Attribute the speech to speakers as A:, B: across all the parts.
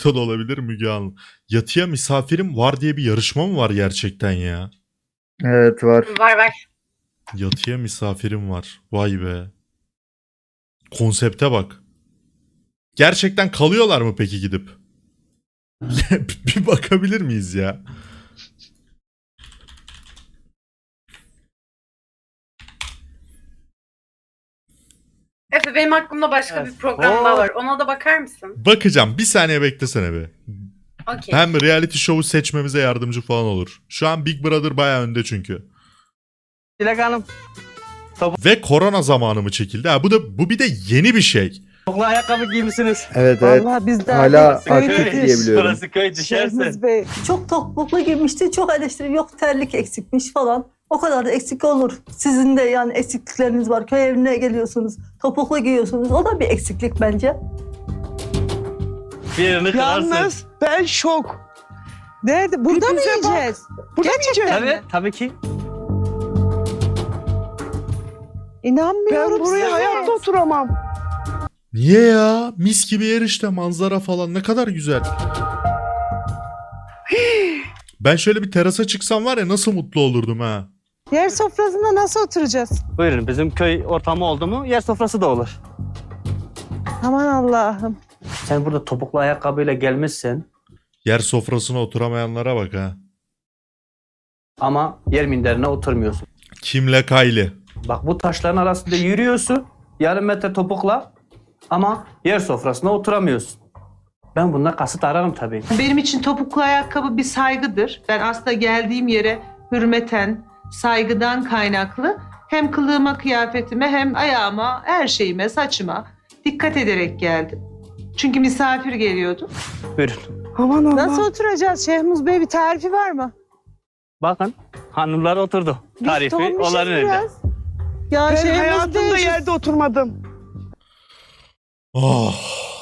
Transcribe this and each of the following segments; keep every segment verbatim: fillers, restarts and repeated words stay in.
A: noktada olabilir Müge Hanım? Yatıya misafirim var diye bir yarışma mı var gerçekten ya?
B: Evet var.
C: Var var.
A: Yatıya misafirim var. Vay be. Konsepte bak. Gerçekten kalıyorlar mı peki gidip? Bir bakabilir miyiz ya?
C: Efe benim aklımda başka
D: Evet.
C: bir program daha
D: Oo.
C: var. Ona da bakar mısın?
A: Bakacağım. Bir saniye beklesene be.
C: Okey.
A: Hem reality show'u seçmemize yardımcı falan olur. Şu an Big Brother bayağı önde çünkü.
D: Dilek Hanım.
A: Ve korona zamanı mı çekildi? Ha, bu da bu bir de yeni bir şey.
D: Topuklu ayakkabı giymişsiniz.
B: Evet evet.
E: Vallahi biz de
B: Hala
E: köy
B: aktif
E: değil.
B: diyebiliyorum.
D: Burası köy düşersin.
E: Şehmuz Bey çok topuklu giymişti, çok eleştiri, yok terlik eksikmiş falan. O kadar da eksik olur. Sizin de yani eksiklikleriniz var. Köy evine geliyorsunuz, topuklu giyiyorsunuz. O da bir eksiklik bence.
D: Birini kırarsın.
F: Yalnız ben şok.
E: Nerede? Burada mı
F: Bize bak.
E: yiyeceğiz?
F: Burada mı yiyeceğiz?
D: Tabii, tabii ki.
E: İnanmıyorum
F: Ben buraya
E: size.
F: hayatta oturamam.
A: Niye ya? Mis gibi yer işte, manzara falan ne kadar güzel. Ben şöyle bir terasa çıksam var ya nasıl mutlu olurdum ha.
E: Yer sofrasında nasıl oturacağız?
D: Buyurun, bizim köy ortamı oldu mu yer sofrası da olur.
E: Aman Allah'ım.
D: Sen burada topuklu ayakkabıyla gelmişsin
A: Yer sofrasına oturamayanlara bak ha.
D: ama yer minderine oturmuyorsun.
A: Kimle Kayli.
D: Bak bu taşların arasında yürüyorsun yarım metre topukla ama yer sofrasına oturamıyorsun. Ben bundan kasıt ararım tabii.
G: Benim için topuklu ayakkabı bir saygıdır. Ben aslında geldiğim yere hürmeten, saygıdan kaynaklı hem kılığıma, kıyafetime hem ayağıma, her şeyime, saçıma dikkat ederek geldim. Çünkü misafir geliyordu.
D: Buyurun.
F: Aman Allah.
E: Nasıl oturacağız Şehmuz Bey? Bir tarifi var mı?
D: Bakın hanımlar oturdu.
E: Biz
D: Tarifi
E: donmuşuz
D: onların elinde.
E: biraz. Ya
F: Ben
E: Şehmuz
F: hayatımda
E: Bey, şu-
F: yerde oturmadım.
A: Oh.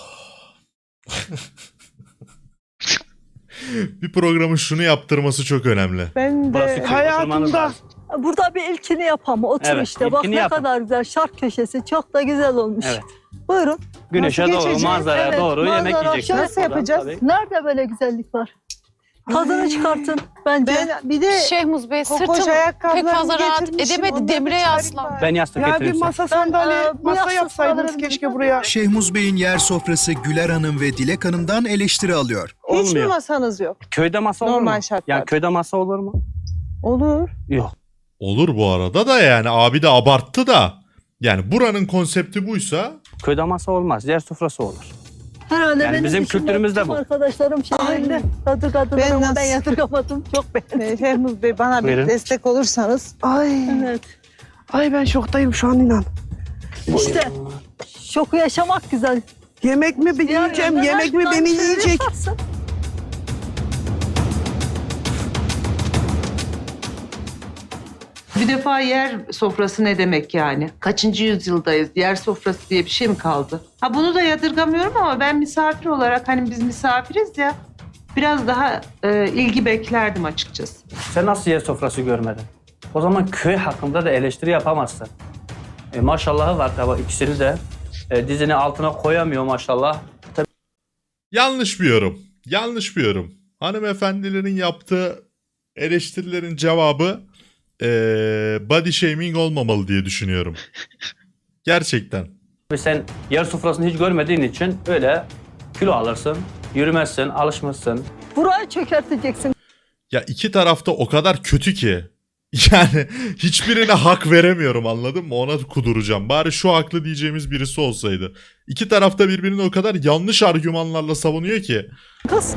A: Bir programın şunu yaptırması çok önemli.
E: Ben
D: Burası
E: de
D: köy,
F: Hayatımda-
D: oturmanız lazım.
E: burada bir ilkini yapalım. Otur
D: Evet,
E: işte. Bak
D: ilkini
E: ne
D: yapın.
E: kadar güzel. Şark köşesi çok da güzel olmuş.
D: Evet.
E: Buyurun.
D: Güneşe
E: Nasıl
D: doğru,
E: geçeceğiz?
D: manzaraya
E: Evet,
D: doğru yemek
E: manzara.
D: yiyeceksiniz.
E: Nasıl
D: Buradan
E: yapacağız?
D: tabii.
E: Nerede böyle güzellik var? Tadını çıkartın bence.
H: Ben
E: bir de
H: Şehmuz Bey
E: kokoş
H: sırtım pek
E: ayakkabılarını
H: fazla rahat
E: getirmişim.
H: edemedi.
E: Onda
H: Demire
E: bir tarif
H: yaslan.
E: var.
D: Ben yastık
F: Ya bir
D: getireyim size.
F: masa sandalye,
E: Ben, e, bu
F: masa
E: yastık
F: yapsaydınız
E: alabilirim.
F: keşke buraya.
I: Şehmuz Bey'in yer sofrası Güler Hanım ve Dilek Hanım'dan eleştiri alıyor.
E: Hiç mi
D: Olmuyor.
E: masanız yok?
D: Köyde masa olur mu?
E: Normal şartlarda.
D: Yani köyde masa olur mu?
E: Olur.
D: Yok.
A: Olur bu arada da yani abi de abarttı da. Yani buranın konsepti buysa
D: Köyde masa olmaz. Yer sofrası olur.
E: Herhalde
D: Yani
E: benim
D: bizim
E: dışında
D: kültürümüzde
E: tüm
D: bu.
E: Arkadaşlarım şehrinde yadırgadılar
J: Ben
E: ama ben
J: nasıl-
E: yadırgamadım. Çok beğendim.
J: Şehmuz Bey bana
D: Buyurun.
J: bir destek olursanız.
F: Ay,
E: Evet.
F: ay ben şoktayım şu an inan.
E: İşte şoku yaşamak güzel.
F: Yemek mi ben yiyeceğim,
E: Yani
F: yemek mi
E: her
F: beni
E: gün
F: yiyecek?
E: yaparsın.
G: Bir defa yer sofrası ne demek yani? Kaçıncı yüzyıldayız? Yer sofrası diye bir şey mi kaldı? Ha bunu da yadırgamıyorum ama ben misafir olarak hani biz misafiriz ya biraz daha e, ilgi beklerdim açıkçası.
D: Sen nasıl yer sofrası görmedin? O zaman köy hakkında da eleştiri yapamazsın. E, maşallahı var tabii ikisini de. E, dizini altına koyamıyor maşallah.
A: yanlış bir yorum. Yanlış bir yorum. Hanımefendilerin yaptığı eleştirilerin cevabı eee body shaming olmamalı diye düşünüyorum. Gerçekten.
D: Ve sen yer sofrasını hiç görmediğin için öyle kilo alırsın, yürümezsin, alışmışsın.
E: Burayı çökerteceksin.
A: Ya iki tarafta o kadar kötü ki. Yani hiçbirine hak veremiyorum, anladın mı? Ona kuduracağım. Bari şu haklı diyeceğimiz birisi olsaydı. İki tarafta birbirini o kadar yanlış argümanlarla savunuyor ki.
E: Kız.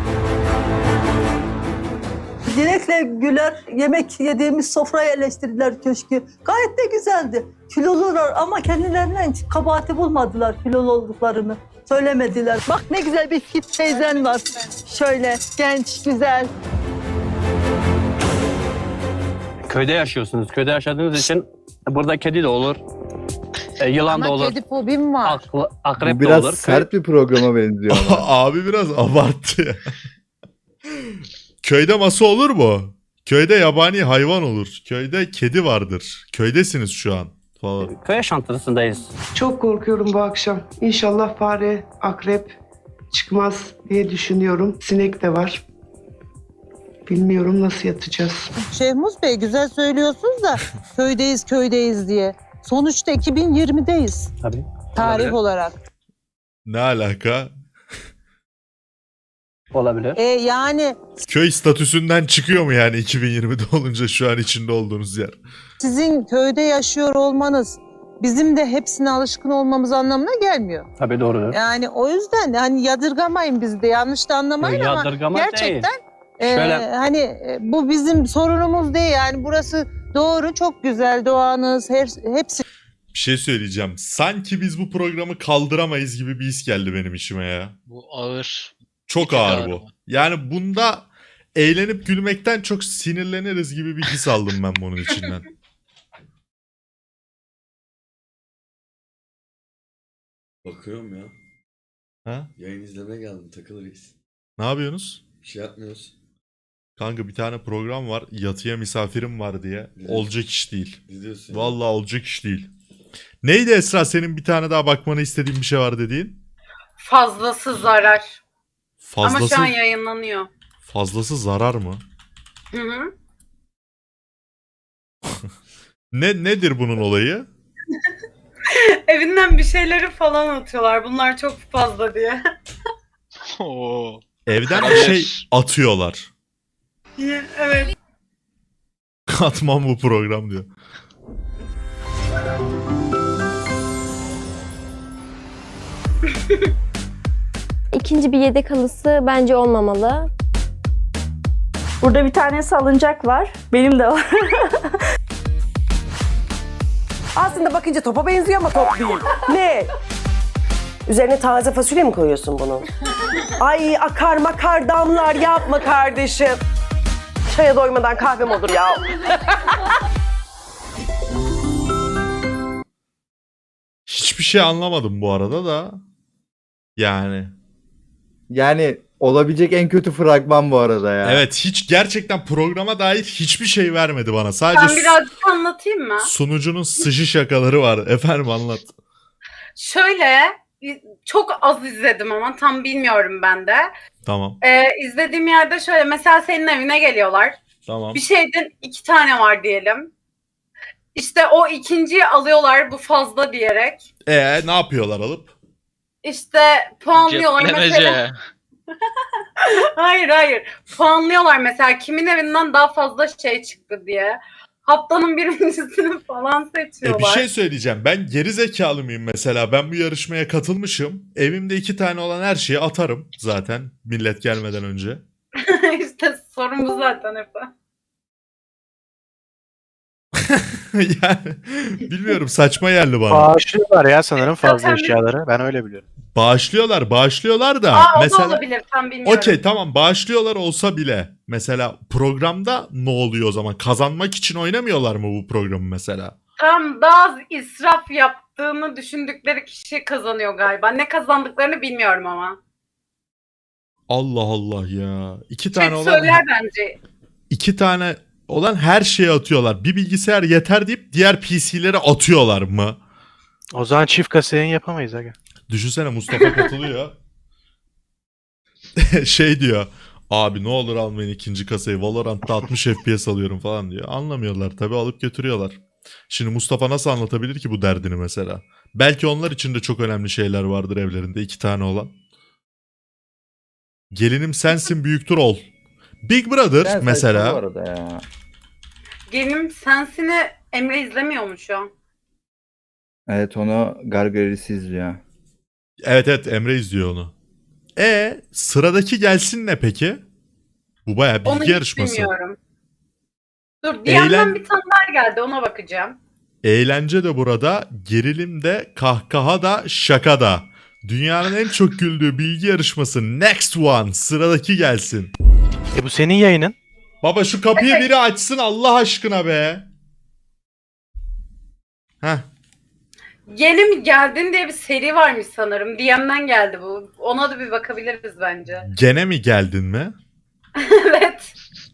E: Dilek'le Güler yemek yediğimiz sofrayı eleştirdiler köşkü. Gayet de güzeldi. Kilolular ama kendilerinden hiç kabahati bulmadılar kilolu olduklarını. Söylemediler. Bak ne güzel bir fit teyzen var. Şöyle genç, güzel.
D: Köyde yaşıyorsunuz. Köyde yaşadığınız için burada kedi de olur, e, yılan da
H: Ama
D: olur,
H: kedi fobim var.
D: ak- akrep
B: Bu
D: de
B: biraz
D: olur.
B: sert bir programa benziyor ama.
A: Abi biraz abarttı ya. Köyde masa olur mu? Köyde yabani hayvan olur. Köyde kedi vardır. Köydesiniz şu an falan.
D: Köy yaşantısındayız.
F: Çok korkuyorum bu akşam. İnşallah fare, akrep çıkmaz diye düşünüyorum. Sinek de var. Bilmiyorum nasıl yatacağız.
J: Şehmuz Bey güzel söylüyorsunuz da köydeyiz köydeyiz diye. Sonuçta iki bin yirmideyiz
D: Tabii.
J: tarih
D: Olabilir.
J: olarak.
A: Ne alaka?
D: Olabilir.
J: E yani
A: Köy statüsünden çıkıyor mu yani iki bin yirmide olunca şu an içinde olduğunuz yer?
J: sizin köyde yaşıyor olmanız bizim de hepsine alışkın olmamız anlamına gelmiyor.
D: Tabii doğrudur.
J: Yani o yüzden hani yadırgamayın bizi de yanlış da anlamayın ama
D: Yadırgama
J: gerçekten
D: değil.
J: e,
D: Şöyle-
J: hani e, bu bizim sorunumuz değil yani burası doğru çok güzel doğanız her, hepsi
A: Bir şey söyleyeceğim. Sanki biz bu programı kaldıramayız gibi bir his geldi benim içime ya.
H: Bu ağır.
A: Çok
H: Çok
A: ağır
H: ağır
A: bu.
H: bu.
A: Yani bunda eğlenip gülmekten çok sinirleniriz gibi bir his aldım ben bunun içinden.
K: Bakıyorum ya.
A: Ha?
K: Yayın izlemeye geldim takılırız.
A: Ne yapıyorsunuz?
K: Bir şey yapmıyoruz.
A: Kanka bir tane program var. Yatıya misafirim var diye.
K: Evet.
A: Olacak iş değil.
K: Ne diyorsun? ya?
A: Vallahi olacak iş değil. Neydi Esra senin bir tane daha bakmanı istediğin bir şey var dediğin?
C: Fazlası zarar. Ama
A: Fazlası
C: şu an yayınlanıyor.
A: fazlası zarar mı?
C: Hı hı.
A: Ne nedir bunun olayı?
C: Evinden bir şeyleri falan atıyorlar. Bunlar çok fazla diye.
H: Oo.
A: Evden bir
H: Olabilir.
A: şey atıyorlar.
C: Evet.
A: Katmam bu program diyor.
L: İkinci bir yedek halısı bence olmamalı.
E: Burada bir tane salıncak var. Benim de var.
F: Aslında bakınca topa benziyor ama top değil. Ne? Üzerine taze fasulye mi koyuyorsun bunun? Ay akar makar damlar yapma kardeşim. Çaya doymadan kahvem olur ya.
A: Hiçbir şey anlamadım bu arada da. Yani.
B: Yani olabilecek en kötü fragman bu arada ya.
A: Evet hiç gerçekten programa dair hiçbir şey vermedi bana. Sadece
C: Ben
A: su-
C: birazcık anlatayım mı?
A: sunucunun sıçı şakaları var. Efendim anlat.
C: Şöyle çok az izledim ama tam bilmiyorum ben de.
A: Tamam.
C: Ee, izlediğim yerde şöyle mesela senin evine geliyorlar.
A: Tamam.
C: Bir şeyden iki tane var diyelim. İşte o ikinciyi alıyorlar bu fazla diyerek.
A: Ee ne yapıyorlar alıp?
C: İşte puanlıyorlar mesela.
H: Ceplemece.
C: Hayır hayır. Puanlıyorlar mesela kimin evinden daha fazla şey çıktı diye. Haftanın birincisini falan
A: E bir
C: seçiyorlar.
A: şey söyleyeceğim. Ben geri zekalı mıyım mesela? Ben bu yarışmaya katılmışım. Evimde iki tane olan her şeyi atarım zaten millet gelmeden önce.
C: İşte sorun bu zaten hep.
A: Yani bilmiyorum saçma geldi bana.
H: Bağışlıyorlar ya sanırım fazla
C: Zaten bir-
H: eşyaları. Ben öyle biliyorum.
A: Bağışlıyorlar, bağışlıyorlar da
C: Aa o da
A: mesela
C: olabilir tam bilmiyorum.
A: okey tamam bağışlıyorlar olsa bile mesela programda ne oluyor o zaman? Kazanmak için oynamıyorlar mı bu programı mesela?
C: Tam daha az israf yaptığını düşündükleri kişi kazanıyor galiba. Ne kazandıklarını bilmiyorum ama.
A: Allah Allah ya. İki tane
C: Chat
A: olan
C: söyler bence.
A: iki tane olan her şeyi atıyorlar. Bir bilgisayar yeter deyip diğer P C'leri atıyorlar mı?
H: O zaman çift kasa yayın yapamayız aga.
A: Düşünsene Mustafa katılıyor. Şey diyor. Abi ne olur almayın ikinci kasayı. Valorant'ta altmış F P S alıyorum falan diyor. Anlamıyorlar tabii alıp götürüyorlar. Şimdi Mustafa nasıl anlatabilir ki bu derdini mesela? Belki onlar için de çok önemli şeyler vardır evlerinde iki tane olan. Gelinim sensin büyüktür ol. Big Brother
B: Ben saçma bu
A: mesela.
B: arada ya.
C: Gelinim Sensin'i Emre izlemiyor mu şu an?
B: Evet onu Gargaris izliyor.
A: Evet evet Emre izliyor onu. E sıradaki gelsin ne peki? Bu bayağı
C: Onu
A: bilgi
C: hiç
A: yarışması.
C: bilmiyorum. Dur D M'den
A: Eğlen-
C: bir tane daha geldi ona bakacağım.
A: Eğlence de burada, gerilim de, kahkaha da, şaka da. Dünyanın en çok güldüğü bilgi yarışması Next One. Sıradaki gelsin.
H: E bu senin yayının.
A: Baba şu kapıyı biri açsın Allah aşkına be. Heh.
C: Yeni mi geldin diye bir seri varmış sanırım. D M'den geldi bu. Ona da bir bakabiliriz bence.
A: Gene mi geldin mi?
C: Evet.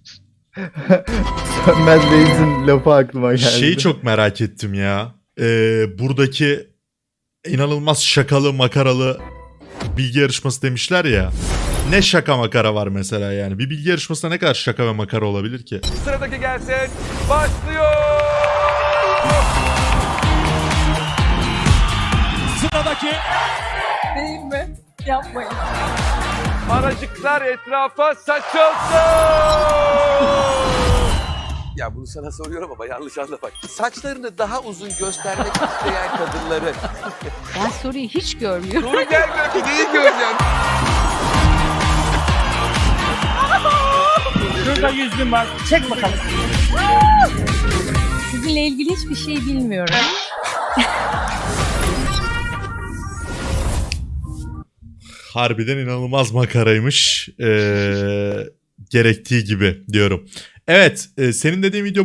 B: Sönmez Reis'in lafı aklıma geldi.
A: Şeyi çok merak ettim ya. Ee, buradaki inanılmaz şakalı makaralı bilgi yarışması demişler ya. Ne şaka makara var mesela yani. Bir bilgi yarışmasında ne kadar şaka ve makara olabilir ki?
M: Sıradaki gelsin. Başlıyor. Sıradaki.
E: Değil mi? Yapmayın.
M: Aracıklar etrafa saçılsın. Ya bunu sana soruyorum ama yanlış anlama bak. Saçlarını daha uzun göstermek isteyen kadınları.
J: Ben soruyu hiç görmüyorum.
M: Soru gelmiyor ki neyi göreceğim?
J: Şurada yüzüm var. Çek bakalım. Sizinle ilgili hiçbir şey bilmiyorum.
A: Harbiden inanılmaz makaraymış. Ee, gerektiği gibi diyorum. Evet, e, senin dediğin video